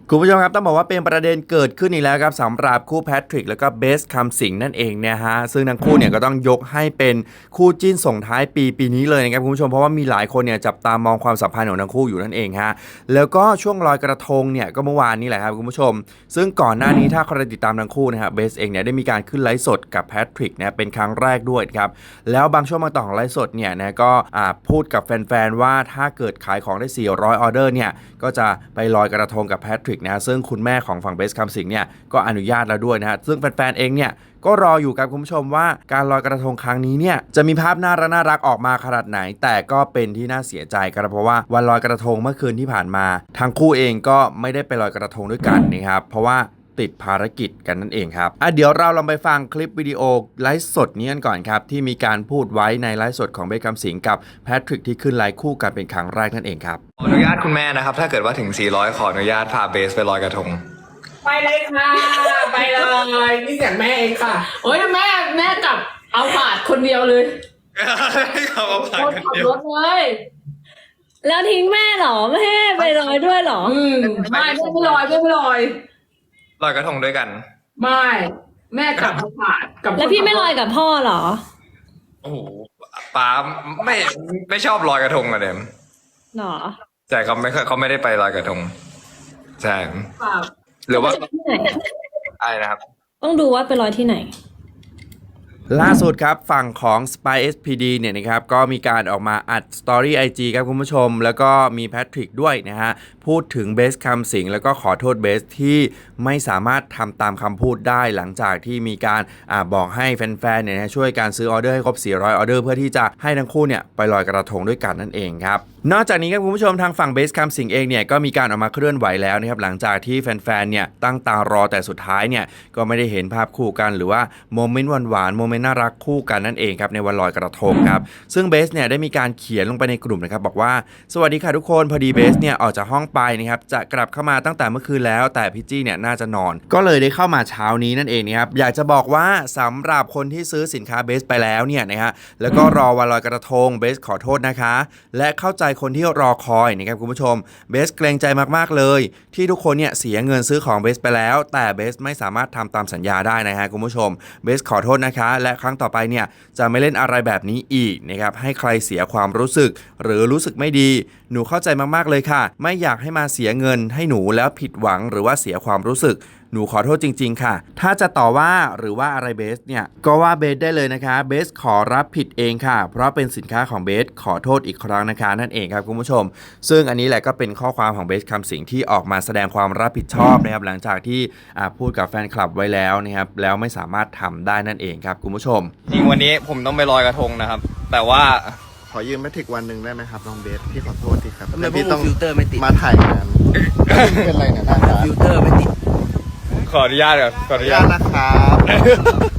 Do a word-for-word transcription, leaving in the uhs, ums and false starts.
คุณผู้ชมครับต้องบอกว่าเป็นประเด็นเกิดขึ้นอีกแล้วครับสำหรับคู่แพทริกแล้วก็เบสคำสิงนั่นเองเนี่ยฮะซึ่งทั้งคู่เนี่ยก็ต้องยกให้เป็นคู่จิ้นส่งท้ายปีปีนี้เลยนะครับคุณผู้ชมเพราะว่ามีหลายคนเนี่ยจับตามองความสัมพันธ์ของทั้งคู่อยู่นั่นเองฮะแล้วก็ช่วงลอยกระทงเนี่ยก็เมื่อวานนี้แหละครับคุณผู้ชมซึ่งก่อนหน้านี้ถ้าใครติดตามทั้งคู่นะครับเบสเองเนี่ยได้มีการขึ้นไลฟ์สดกับแพทริกเนี่ยเป็นครั้งแรกด้วยครับแล้วบางช่วงบางตอนของไลฟ์สดเนี่ยนะก็พูดกับแฟนๆว่าถ้าเกิดขายของได้สี่ร้อยออเดอร์เนี่ยก็จะไปลอยกระทงกับแพทริกนะซึ่งคุณแม่ของฝั่งเบสคำสิงเนี่ยก็อนุญาตแล้วด้วยนะฮะซึ่งแฟนๆเองเนี่ยก็รออยู่กับคุณผู้ชมว่าการลอยกระทงครั้งนี้เนี่ยจะมีภาพน่ารักน่ารักออกมาขนาดไหนแต่ก็เป็นที่น่าเสียใจครับเพราะว่าวันลอยกระทงเมื่อคืนที่ผ่านมาทั้งคู่เองก็ไม่ได้ไปลอยกระทงด้วยกันนะครับเพราะว่าติดภารกิจกันนั่นเองครับอ่ะเดี๋ยวเราลองไปฟังคลิปวิดีโอไลฟ์สดนี้กันก่อนครับที่มีการพูดไว้ในไลฟ์สดของเบสคำสิงกับแพทริกที่ขึ้นไลฟ์คู่กันเป็นครั้งแรกนั่นเองครับขออนุญาตคุณแม่นะครับถ้าเกิดว่าถึงสี่ร้อยขออนุญาตพาเบสไปลอยกระทงไปเลยค่ะไปเลยนี่เสียงแม่เองค่ะโอ้ยแม่แม่กลับเอาผาดคนเดียวเลยเขาเอาผ่านคนขับรถเลยแล้วทิ้งแม่เหรอไม่ให้ไปลอยด้วยเหรออืมไม่ไม่ไม่ลอยไม่ไม่ลอยลอยกระทงด้วยกันไม่แม่กลับเอาผาดกับแล้วพี่ไม่ลอยกับพ่อเหรอโอ้โหป้าไม่ไม่ชอบลอยกระทงอะเดมหรอใช่เขาไม่เขาไม่ได้ไปลอยกระทงใช่หรือว่าอะไรนะครับต้องดูว่าไปลอยที่ไหนล่าสุดครับฝั่งของ Spy เอส พี ดี เนี่ยนะครับก็มีการออกมาอัดสตอรี่ ไอ จี ครับคุณผู้ชมแล้วก็มีแพทริกด้วยนะฮะพูดถึงเบสคำสิงแล้วก็ขอโทษเบสที่ไม่สามารถทำตามคำพูดได้หลังจากที่มีการอ่าบอกให้แฟนๆเนี่ยนะช่วยการซื้อออเดอร์ให้ครบสี่ร้อยออเดอร์เพื่อที่จะให้ทั้งคู่เนี่ยไปลอยกระทงด้วยกันนั่นเองครับนอกจากนี้ครับคุณผู้ชมทางฝั่งเบสคำสิงเองเนี่ยก็มีการออกมาเคลื่อนไหวแล้วนะครับหลังจากที่แฟนๆเนี่ยตั้งตารอแต่สุดท้ายเนี่ยก็ไม่ได้เห็นภาพคู่กันหรือว่าโมเมนต์หวานๆโมเมนต์น่ารักคู่กันนั่นเองครับในวันลอยกระทงครับซึ่งเบสเนี่ยได้มีการเขียนลงไปในกลุ่มนะครับบอกว่าสวัสดีค่ะทุกคนพอดีเบสเนี่ยออกจากห้องไปนะครับจะกลับเข้ามาตั้งแต่เมื่อคืนแล้วแต่พี่จี้เนี่ยน่าจะนอนก็เลยได้เข้ามาเช้านี้นั่นเองนะครับอยากจะบอกว่าสำหรับคนที่ซื้อสินค้าเบสไปแล้วเนี่ยนะฮะแล้วก็รอวันลอยกระทงเบสขอโทษนะคะและเข้าใจคนที่รอคอยนะครับคุณผู้ชมเบสเกรงใจมากๆเลยที่ทุกคนเนี่ยเสียเงินซื้อของเบสไปแล้วแต่เบสไม่สามารถทำตามสัญญาได้นะฮะคุณผู้ชมเบสขอโทษนะคะและครั้งต่อไปเนี่ยจะไม่เล่นอะไรแบบนี้อีกนะครับให้ใครเสียความรู้สึกหรือรู้สึกไม่ดีหนูเข้าใจมากๆเลยค่ะไม่อยากให้มาเสียเงินให้หนูแล้วผิดหวังหรือว่าเสียความรู้สึกหนูขอโทษจริงๆค่ะถ้าจะต่อว่าหรือว่าอะไรเบสเนี่ยก็ว่าเบสได้เลยนะคะเบสขอรับผิดเองค่ะเพราะเป็นสินค้าของเบสขอโทษอีกครั้งนะคะนั่นเองครับคุณผู้ชมซึ่งอันนี้แหละก็เป็นข้อความของเบสคำสิงที่ออกมาแสดงความรับผิดชอบนะครับหลังจากที่พูดกับแฟนคลับไว้แล้วนะครับแล้วไม่สามารถทำได้นั่นเองครับคุณผู้ชมจริงวันนี้ผมต้องไปลอยกระทงนะครับแต่ว่าขอยืมแมทริกวันหนึ่งได้ไหมครับน้องเบสพี่ขอโทษทีครับแต่พี่ต้องฟิลเตอร์ไม่ติดมาถ่ายงานเป็นไรเนี่ยหน้าตาฟิลเตอร์ไม่ติดขออนุญาตก่อนขออนุญาตนะครับ